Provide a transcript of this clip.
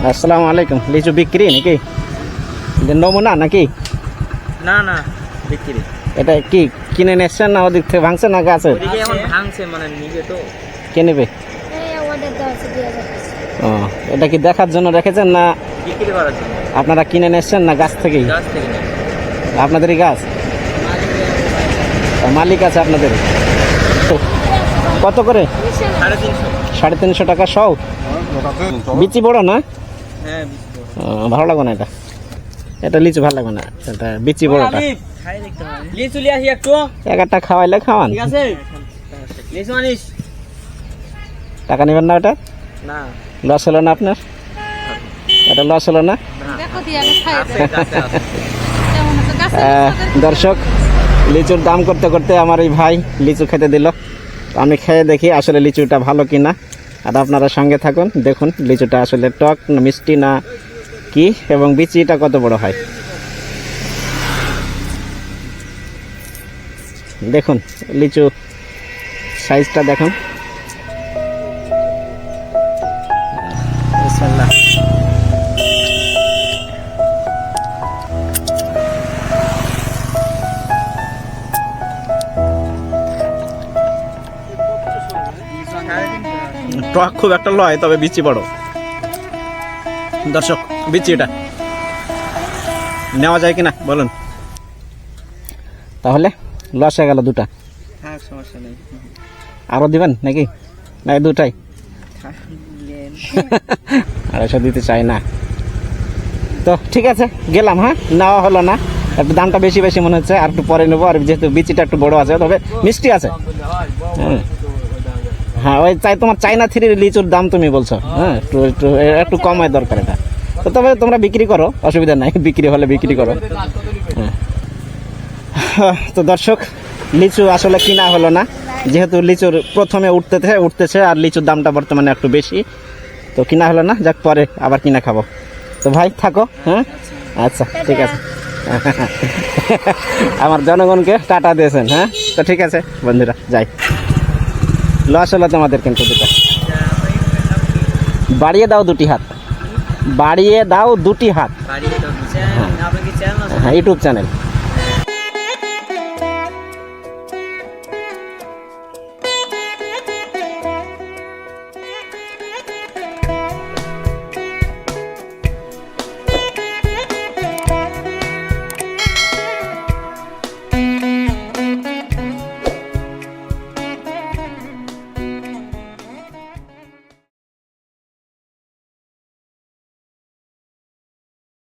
আসসালামু আলাইকুম। লিচু বিক্রি নাকি নমুনা নাকি? না না বিক্রি। এটা কি কিনে নিচ্ছেন না ওদিক থেকে ভাঙছে না গাছে? ওদিকে এখন ভাঙছে মানে নিবে তো। কে নেবে? ও এটা কি দেখার জন্য রেখেছেন না বিক্রি করার জন্য? আপনারা কিনে নিচ্ছেন না গাছ থেকেই? গাছ থেকে নেবে। আপনাদেরই গাছ? মালিক আছে আপনাদের? কত করে? 350। 350 টাকা সব? বিচি বড় না? হ্যাঁ ভালো লাগবে না এটা, এটা লিচু ভালো লাগবে না, এটা বিচি বড়টা। খাই দেখতে হবে। লিচু লিয়ে আসি একটু। একটা খাওয়াইলে খাওয়ান, ঠিক আছে লিচু আনিস। টাকা নেবেন না? ওটা না লস হলো না আপনার? এটা লস হলো না? দর্শক, লিচুর দাম করতে করতে আমার এই ভাই লিচু খেতে দিল। আমি খেয়ে দেখি আসলে লিচুটা ভালো কিনা, আর আপনারা সঙ্গে থাকুন, দেখুন লিচুটা আসলে টক না মিষ্টি না কি, এবং বিচিটা কত বড় হয় দেখুন। লিচু সাইজটা দেখুন। বিসমিল্লাহ। টক খুব একটা লয়, তবে বিচি বড়। দর্শক, বিচি এটা নেওয়া যায় কিনা বলুন? তাহলে লস হয়ে গেল দুটা। হ্যাঁ সমস্যা নেই। আরো দিবেন নাকি? না এই দুটাই? 250 দিতে চাই না তো, ঠিক আছে গেলাম। হ্যাঁ, নেওয়া হলো না, একটু দামটা বেশি বেশি মনে হচ্ছে, আর একটু পরে নেবো। আর যেহেতু বিচিটা একটু বড় আছে, তবে মিষ্টি আছে। হ্যাঁ ওই তোমার চাইনা থ্রির লিচুর দাম তুমি বলছো, হ্যাঁ একটু একটু একটু কমায় দরকার এটা। তো তবে তোমরা বিক্রি করো, অসুবিধা নাই, বিক্রি হলে বিক্রি করো। হ্যাঁ তো দর্শক, লিচু আসলে কিনা হলো না, যেহেতু লিচুর প্রথমে উঠতেছে আর লিচুর দামটা বর্তমানে একটু বেশি, তো কিনা হলো না। যাক, পরে আবার কিনা খাবো। তো ভাই থাকো। হ্যাঁ আচ্ছা ঠিক আছে। আমার জনগণকে টাটা দিয়েছেন। হ্যাঁ তো ঠিক আছে বন্ধুরা, যাই। লস হলো তোমাদের কিন্তু দুটা। বাড়িয়ে দাও দুটি হাত, বাড়িয়ে দাও দুটি হাত। বাড়িয়ে দাও। আপনার কি চ্যানেল আছে? হ্যাঁ ইউটিউব চ্যানেল।